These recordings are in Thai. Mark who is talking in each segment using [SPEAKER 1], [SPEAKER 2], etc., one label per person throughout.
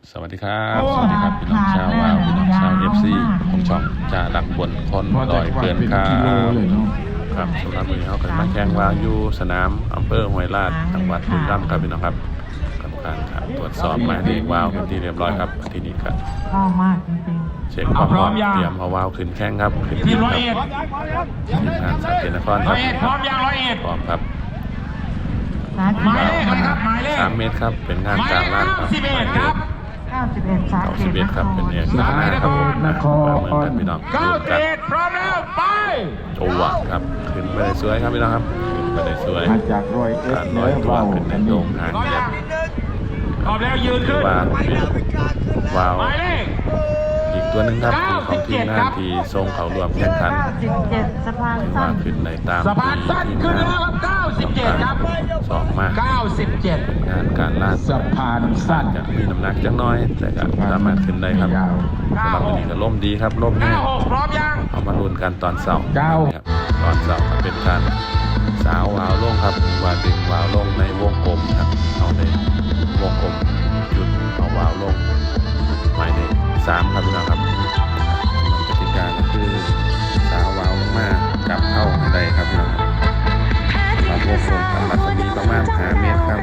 [SPEAKER 1] สวัสดีครับสวัสดีครับพี่น้องชาววาวพี่น้องชาวFCของช่องจ่าดักบนคนลอยเกินครับครับสำหรับวันนี้เขาก็มาแข่งวาวอยู่สนามอำเภอห้วยลาดจังหวัดบุรีรัมย์ครับพี่น้องครับกรรมการตรวจสอบหมายเลขวาวเป็นที่เรียบร้อยครับที่นี่ครับ
[SPEAKER 2] ชอบมากจริง
[SPEAKER 1] ๆเช็คความพร้อมเตรียมเอาวาวขึ้นแข่งครับขึ้นทีมครับทีมงานสาเกตนครครับ
[SPEAKER 3] พร้อมยัง101
[SPEAKER 1] พร้อมครับ
[SPEAKER 2] ๆ
[SPEAKER 3] หมายเลขอะไรครับหมายเลข
[SPEAKER 1] 3 เมตรครับเป็นงานกลางลาดครับหมายเลข
[SPEAKER 2] 91
[SPEAKER 1] ครับเป็นเอกลักษณ์ครับผมมาเหมือนกันพี่น้องดูกัน
[SPEAKER 3] 91พร้อมแล้วไป
[SPEAKER 1] โจวครับขึ้นไปได้สวยครับพี่น้องครับขึ้นไปได้สวย
[SPEAKER 4] มาจากรอยเอส
[SPEAKER 1] การลอยตัวขึ้นในโด่งหางแยบ
[SPEAKER 3] พร้อมแล้วยืนขึ้น
[SPEAKER 1] ว่าว้าว
[SPEAKER 3] หมายเลข
[SPEAKER 1] อีกตัวหนึ่งครับคือของทีมงานที่ทรงเขารวมแข่งขัน
[SPEAKER 2] 97สะพาน
[SPEAKER 1] ถือ
[SPEAKER 2] สั้
[SPEAKER 1] ว่าน ขึ้นในตาม
[SPEAKER 3] สะพานสั้น
[SPEAKER 1] ทีม
[SPEAKER 3] ขึ้น
[SPEAKER 1] งาน
[SPEAKER 3] แล้วครับ97ครับ
[SPEAKER 1] สองมาก
[SPEAKER 3] 97
[SPEAKER 1] งานการลาด
[SPEAKER 4] สะพานสั้น
[SPEAKER 1] จะมีน้ำหนักจังน้อยแต่ก็สามารถขึ้นได้ครับสำหรับวันนี้ก็ล่มดีครับล่มแห้ง
[SPEAKER 3] 96พร้อมยัง
[SPEAKER 1] เอามาลุ้นกันตอนเสาร์ครับตอนเสาร์ก็เป็นการสาววาวลงครับว่าดึงวาวลงในวงกลมครับเอาในวงกลมจุดเอาวาวลงหมายเลข3ครับพี่น้องครับกติกาก็คือสาววาวลงมากลับเข้าให้ได้ครับพี่น้องครับสำหรับวงกลมทำรัศมีประมาณ5 เมตรครับ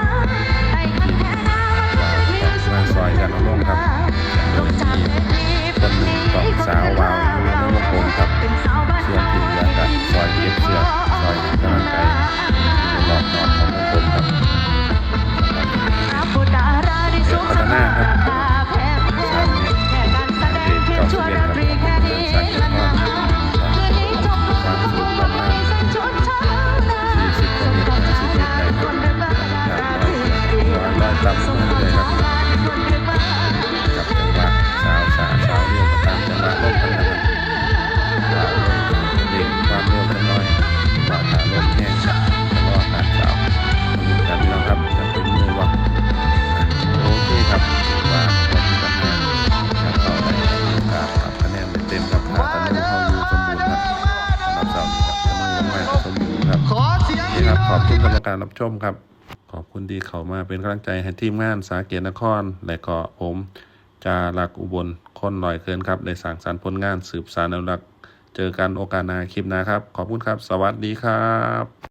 [SPEAKER 1] มาซอยกันเอาลงครับโดยมีคนหนึ่งต้องสาววาวอยู่ในวงกลมครับส่วนที่เหลือก็ซอยเก็บเสือซอยกำลังใจอยู่รอบนอกของวงกลมครับพัฒนาครับ3 เมตรเด็ก91ครับเดินสายเก็บข้อความสูงประมาณ40 เมตร50 เมตรได้ครับลอยต่ำลงเลยครับกับจังหวะสาวเร็วก็ตามจังหวะลมกันนะครับเด็กความเร็วกันน้อยว่าขาลมแห้งจะรอการสาวมาลุ้นกันพี่น้องครับจะถึงมือว่าโอเคครับว่าวันที่ปัญหาถ้าเข้าได้โอกาสทำคะแนนเต็มครับถ้าตะนุ่งเข้าอยู่สมบูรณ์ครับสำหรับเสาร์นี้ครับตะนุ่งลงมาสมบูรณ์ครับนี่ครับขอบคุณกรรมการรับชมครับขอบคุณที่เข้ามาเป็นกำลังใจให้ทีมงานสาเกตนครและก็ผมจารักอุบลคนลอยเกินครับได้สร้างสรรค์ผลงานสืบสานอนุรักษ์เจอกันโอกาสหน้าคลิปหน้าครับขอบคุณครับสวัสดีครับ